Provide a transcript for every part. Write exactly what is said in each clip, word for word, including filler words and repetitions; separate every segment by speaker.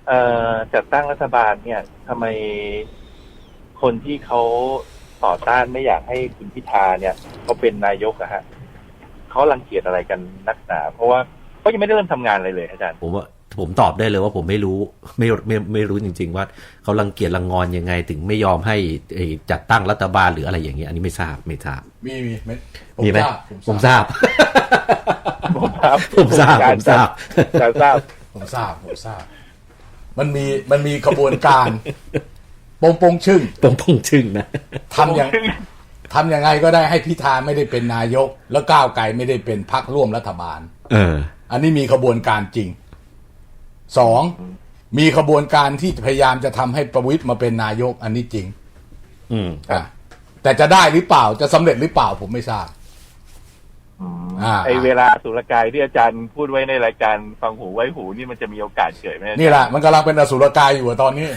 Speaker 1: เอ่อจัดตั้งรัฐบาลเนี่ยทำไมคนที่เขาต่อต้านไม่อยากให้คุณพิธาเนี่ยเขาเป็นนายกอะฮะเขารังเกียจอะไรกันนักหนาเพราะว่าเขายังไม่ได้เริ่มทำงานอะไรเลยอาจารย์
Speaker 2: ผมว่าผมตอบได้เลยว่าผมไม่รู้ไม่ไม่ไม่รู้จริงๆว่าเขารังเกียจรังงอนยังไงถึงไม่ยอมให้จัดตั้งรัฐบาลหรืออะไรอย่างเงี้ยอันนี้ไม่ทราบไม่ทราบ
Speaker 3: มีมี
Speaker 2: มีไหมผมทราบ
Speaker 1: ผมทราบ
Speaker 2: ผมทราบผมทราบ
Speaker 1: ผมทราบ
Speaker 3: ผมทราบผมทราบมันมีมันมีกระบวนการปงปงชึ่ง
Speaker 2: ปงปงชึ่งนะ
Speaker 3: ทำอย่างทำยังไงก็ได้ให้พิธาไม่ได้เป็นนายกแล้วก้าวไกลไม่ได้เป็นพรรคร่วมรัฐบาล
Speaker 2: เออ
Speaker 3: อันนี้มีกระบวนการจริงสองมีขบวนการที่พยายามจะทำให้ประวิตรมาเป็นนายกอันนี้จริง
Speaker 2: อืม
Speaker 3: อ่ะแต่จะได้หรือเปล่าจะสำเร็จหรือเปล่าผมไม่ทราบ
Speaker 1: อ่าไอเวลาสุรกายที่อาจารย์พูดไว้ในรายการฟังหูไว้หูนี่มันจะมีโอกาสเกิดไหม
Speaker 3: นี่แหละมันกำลังเป็นอสุรกายอยู่ตอนนี้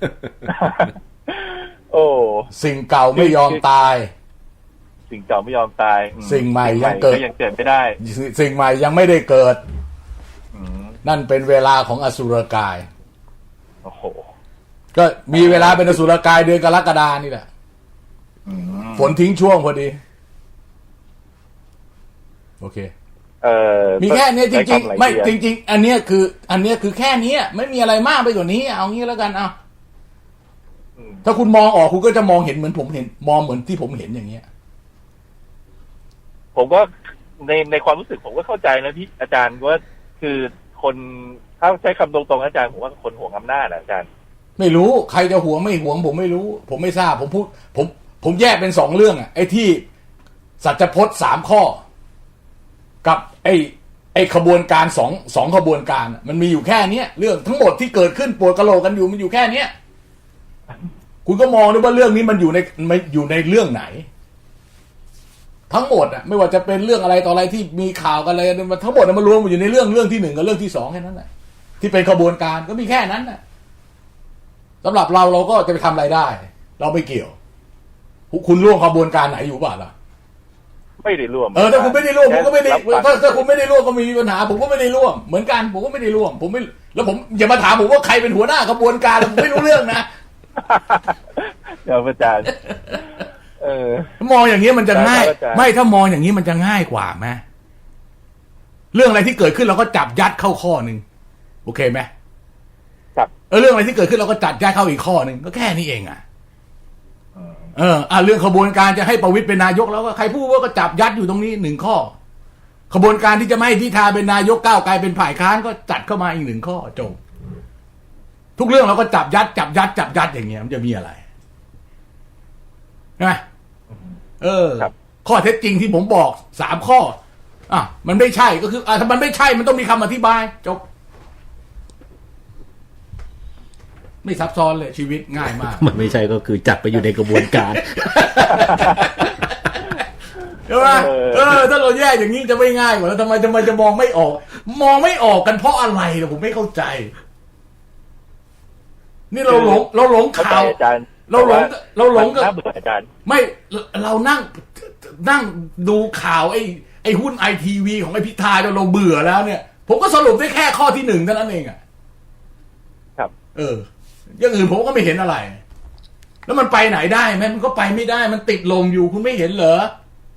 Speaker 1: โอ้
Speaker 3: สิ่งเก่าไม่ยอมตาย
Speaker 1: สิ่งเก่าไม่ยอมตาย
Speaker 3: สิ่งใหม่ยังเกิด
Speaker 1: ยังเกิดไม่ได้
Speaker 3: สิ่งใหม่ยังไม่ได้เกิดนั่นเป็นเวลาของอสุรกาย
Speaker 1: โอ้โห
Speaker 3: ก็มีเวลาเป็นอสุรกายเดือนกรกฎานี่แหละฝนทิ้งช่วงพอดีโอเค
Speaker 1: เอ่อ
Speaker 3: มีแค่นี้จริงๆไม่จริงๆอันนี้คืออันนี้คือแค่นี้ไม่มีอะไรมากไปกว่านี้เอางี้แล้วกันเอาถ้าคุณมองออกคุณก็จะมองเห็นเหมือนผมเห็นมองเหมือนที่ผมเห็นอย่างเงี้ย
Speaker 1: ผมก็ในในความรู้สึกผมก็เข้าใจนะพี่อาจารย์ว่าคือคนถ้าใช้คำตรงๆอาจารย์ผมว่าคนห่วงอำนาจนะอาจารย์
Speaker 3: ไม่รู้ใครจะห่วงไม่ห่วงผมไม่รู้ผมไม่ทราบผมพูดผมผมแยกเป็นสองเรื่องอ่ะไอ้ที่สัจพจน์สามข้อกับไอ้ไอ้ขบวนการสองสองขบวนการมันมีอยู่แค่เนี้ยเรื่องทั้งหมดที่เกิดขึ้นปวดกะโหลกกันอยู่มันอยู่แค่เนี้ยคุณก็มองด้วยว่าเรื่องนี้มันอยู่ในมันอยู่ในเรื่องไหนทั้งหมดอ่ะไม่ว่าจะเป็นเรื่องอะไรต่ออะไรที่มีข่าวกันอะไรมันทั้งหมดมันรวมอยู่ในเรื่องเรื่องที่หนึ่งกับเรื่องที่สองแค่นั้นแหละที่เป็นขบวนการก็มีแค่นั้นน่ะสำหรับเราเราก็จะไปทำอะไรได้เราไม่เกี่ยวคุณร่วมขบวนการไหนอยู่บ้างล่ะ
Speaker 1: ไม่ได้ร่วม
Speaker 3: เออถ้าคุณไม่ได้ร่วมผมก็ไม่ได้ถ้าถ้าคุณไม่ได้ร่วมก็มีปัญหาผมก็ไม่ได้ร่วมเหมือนกันผมก็ไม่ได้ร่วมผมไม่แล้วผมอย่ามาถามผมว่าใครเป็นหัวหน้าขบวนการผมไม่รู้เรื่องนะ
Speaker 1: เดี๋ยวอาจารย์เออ
Speaker 3: มองอย่างนี้มันจะง่ายไม่ถ้ามองอย่างนี้มันจะง่ายกว่าไหมเรื่องอะไรที่เกิดขึ้นเราก็จับยัดเข้าข้อหนึ่งโอเคไหม
Speaker 1: ครับ
Speaker 3: เออเรื่องอะไรที่เกิดขึ้นเราก็จัดยัดเข้าอีกข้อหนึ่งก็แค่นี้เองอ่ะเอออ่ะเรื่องขบวนการจะให้ประวิตรเป็นนายกแล้วก็ใครพูดว่าก็จับยัดอยู่ตรงนี้หนึ่งข้อขบวนการที่จะไม่ให้พิธาเป็นนายกก้าวไกลเป็นฝ่ายค้านก็จัดเข้ามาอีกหนึ่งข้อจบทุกเรื่องเราก็จับยัดจับยัดจับยัดอย่างเงี้ยมันจะมีอะไรนะเออข้อเท็จจริงที่ผมบอกสามข้ออ่ะมันไม่ใช่ก็คืออ่ะถ้ามันไม่ใช่มันต้องมีคำอธิบายจบไม่ซับซ้อนเลยชีวิตง่ายมาก
Speaker 2: มันไม่ใช่ก็คือจัดไปอยู่ในกระบวนการ
Speaker 3: ใช่ไหมเออถ้าเราแยกอย่างนี้จะไม่ง่ายกว่าแล้วทำไมทำไมจะมองไม่ออกมองไม่ออกกันเพราะอะไรล่ะผมไม่เข้าใจนี่เราหลงเราหลงข่าวเราหลงเราหลงกับไม่เรานั่งนั่งดูข่าวไอ้ไอ้หุ้นไอทีวีของไอ้พิธาจนเราเบื่อแล้วเนี่ยผมก็สรุปได้แค่ข้อที่หนึ่งเท่านั้นเองอ่ะ
Speaker 1: ครับ
Speaker 3: เอออย่างอื่นผมก็ไม่เห็นอะไรแล้วมันไปไหนได้ไหมมันก็ไปไม่ได้มันติดลมอยู่คุณไม่เห็นเหรอ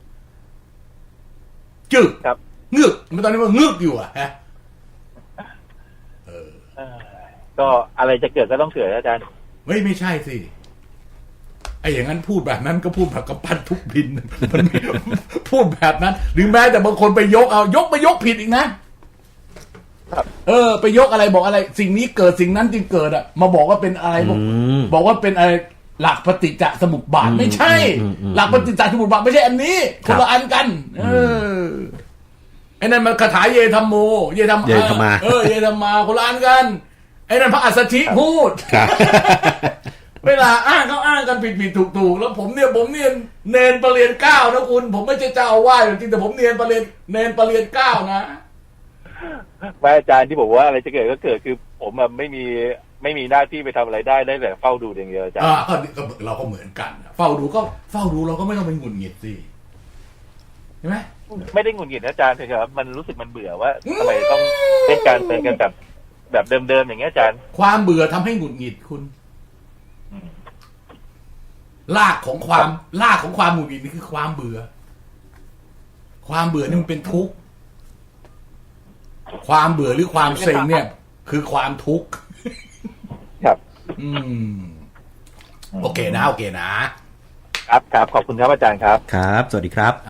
Speaker 3: จึก
Speaker 1: ครับ
Speaker 3: งึกมันตอนนี้มันงึกอยู่อ่ะฮะ
Speaker 1: เออก็อะไรจะเกิดก็ต้องเกิดอาจารย์
Speaker 3: ไม่ไม่ใช่สิไอ้อย่างนั้นพูดแบบนั้นก็พูดแบบกระปั้นทุกพินมันพูดแบบนั้นหรือแม้แต่บางคนไปยกเอายกไปยกผิดอีกนะเออไปยกอะไรบอกอะไรสิ่งนี้เกิดสิ่งนั้นจึงเกิดอ่ะมาบอกว่าเป็นอะไรบอกบอกว่าเป็นอะไรหลักปฏิจจสมุปบาทไม่ใช่หลักปฏิจจสมุปบาทไม่ใช่อันนี้คนละอันกันเออไอ้นั่นมันคาถาเยธรรมโมเยธรรมเออเยธรรมาคนละอันกันไอ้นั่นพระอัสสชิพูดเวลาอ้างเขาอ้างกันผิดผิดถูกถูกแล้วผมเนี่ยผมเนียนเนนประเรียนเก้านะคุณผมไม่ใช่เจ้าอาวาสจริงแต่ผมเนียนประเรียนเนนประเรียนเก้านะ
Speaker 1: ไม่อาจารย์ที่บอกว่าอะไรจะเกิดก็เกิดคือผมอะไม่มีไม่มีหน้าที่ไปทำอะไรได้ได้แต่เฝ้าดูอย่างเดียวอาจารย์
Speaker 3: อ่าก็เราก็เหมือนกันเฝ้าดูก็เฝ้าดูเราก็ไม่ต้องไปหงุดหงิดสิใช่ไหม
Speaker 1: ไม่ได้หงุดหงิดอาจารย์เถอะครับมันรู้สึกมันเบื่อว่าทำไมต้องเป็นการเป็นกันแบบแบบเดิมๆอย่างเงี้ยอาจารย์
Speaker 3: ความเบื่อทำให้หงุดหงิดคุณ
Speaker 1: อืม
Speaker 3: รากของความรากของความหงุดหงิดนี่คือความเบื่อ ความเบื่อนี่มันเป็นทุกข์ความเบื่อหรือความเซ็งเนี่ย คือความทุกข์
Speaker 1: ครับ
Speaker 3: อืม โอเคนะโอเคนะ
Speaker 1: ครับครับขอบคุณครับอาจารย์ครับ
Speaker 2: ครับ สวัสดีครับ